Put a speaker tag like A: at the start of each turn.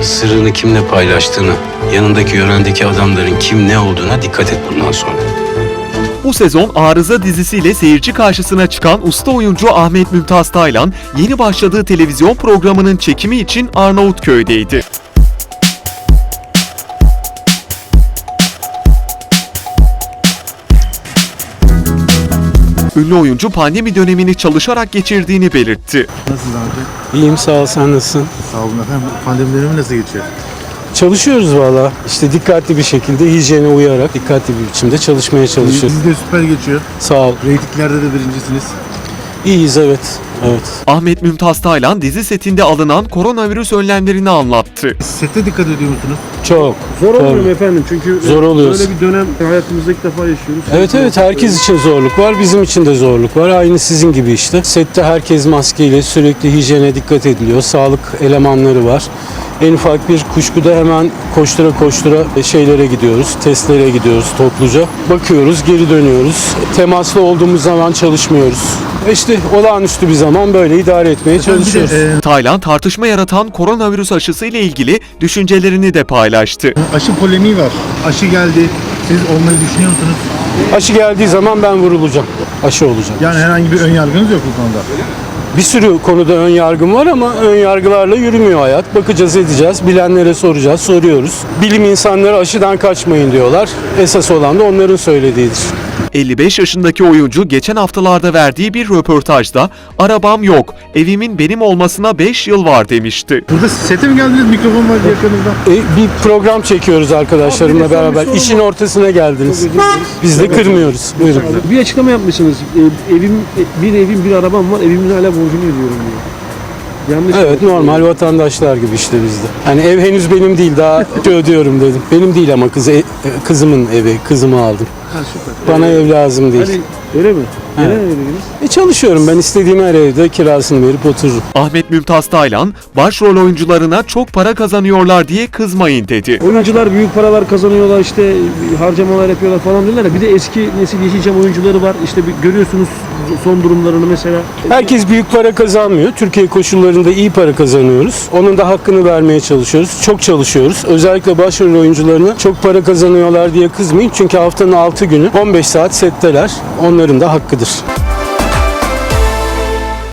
A: Sırrını kimle paylaştığını, yanındaki yörendeki adamların kim ne olduğuna dikkat et bundan sonra.
B: Bu sezon Arıza dizisiyle seyirci karşısına çıkan usta oyuncu Ahmet Mümtaz Taylan, yeni başladığı televizyon programının çekimi için Arnavutköy'deydi. Ünlü oyuncu pandemi dönemini çalışarak geçirdiğini belirtti.
C: Nasılsınız amca?
D: İyiyim, sağ ol, sen nasılsın?
C: Sağ olun efendim. Pandemi dönemi nasıl geçiyor?
D: Çalışıyoruz valla. İşte dikkatli bir şekilde, hijyene uyarak dikkatli bir biçimde çalışmaya çalışıyoruz.
C: Dizi de süper geçiyor.
D: Sağ ol.
C: Reytinglerde de birincisiniz.
D: İyiyiz, evet. Evet.
B: Ahmet Mümtaz Taylan dizi setinde alınan koronavirüs önlemlerini anlattı.
C: Sette dikkat ediyor musunuz?
D: Çok.
E: Zor olmuyor mu
D: Tabii.
E: efendim? Çünkü
D: Zor oluyoruz.
E: böyle bir dönem hayatımızda ilk defa yaşıyoruz.
D: Evet, herkes için zorluk var, bizim için de zorluk var. Aynı sizin gibi işte. Sette herkes maskeyle, sürekli hijyene dikkat ediliyor. Sağlık elemanları var. En ufak bir kuşkuda hemen koştura koştura şeylere gidiyoruz, testlere gidiyoruz topluca. Bakıyoruz, geri dönüyoruz. Temaslı olduğumuz zaman çalışmıyoruz. İşte olağanüstü bir zaman böyle idare etmeye çalışıyoruz.
B: Taylan tartışma yaratan koronavirüs aşısı ile ilgili düşüncelerini de paylaştı.
C: Aşı polemiği var. Aşı geldi. Siz olmayı düşünüyor musunuz?
D: Aşı geldiği zaman ben vurulacağım. Aşı olacağım.
C: Yani herhangi bir ön yargınız yok bu konuda.
D: Bir sürü konuda ön yargım var ama ön yargılarla yürümüyor hayat. Bakacağız, edeceğiz. Bilenlere soracağız, soruyoruz. Bilim insanları aşıdan kaçmayın diyorlar. Esas olan da onların söylediğidir.
B: 55 yaşındaki oyuncu geçen haftalarda verdiği bir röportajda "Arabam yok, evimin benim olmasına 5 yıl var" demişti.
C: Burada sete mi geldiniz? Mikrofon var yakınızda.
D: Bir program çekiyoruz arkadaşlarımla beraber. İşin ortasına geldiniz. Biz de kırmıyoruz. Buyurun.
E: Bir açıklama yapmışsınız. Bir evim bir arabam var. Evimin hala borcunu ödüyorum diyor. Yanlış.
D: Evet, normal vatandaşlar gibi işte bizde. Hani ev henüz benim değil, daha ödüyorum dedim. Benim değil ama kızımın evi, kızımı aldım.
E: Ha, süper.
D: Bana ev lazım değil.
E: Hani öyle mi? Neden öyle dediniz?
D: Çalışıyorum ben, istediğim her evde kirasını verip otururum.
B: Ahmet Mümtaz Taylan, başrol oyuncularına çok para kazanıyorlar diye kızmayın dedi.
E: Oyuncular büyük paralar kazanıyorlar, işte harcamalar yapıyorlar falan diyorlar ya. Bir de eski nesil Yeşilçam oyuncuları var. İşte görüyorsunuz son durumlarını mesela.
D: Herkes büyük para kazanmıyor. Türkiye koşullarında iyi para kazanıyoruz. Onun da hakkını vermeye çalışıyoruz. Çok çalışıyoruz. Özellikle başrol oyuncularına çok para kazanıyorlar diye kızmayın. Çünkü haftanın 6 günü 15 saat setteler. Onların da hakkıdır.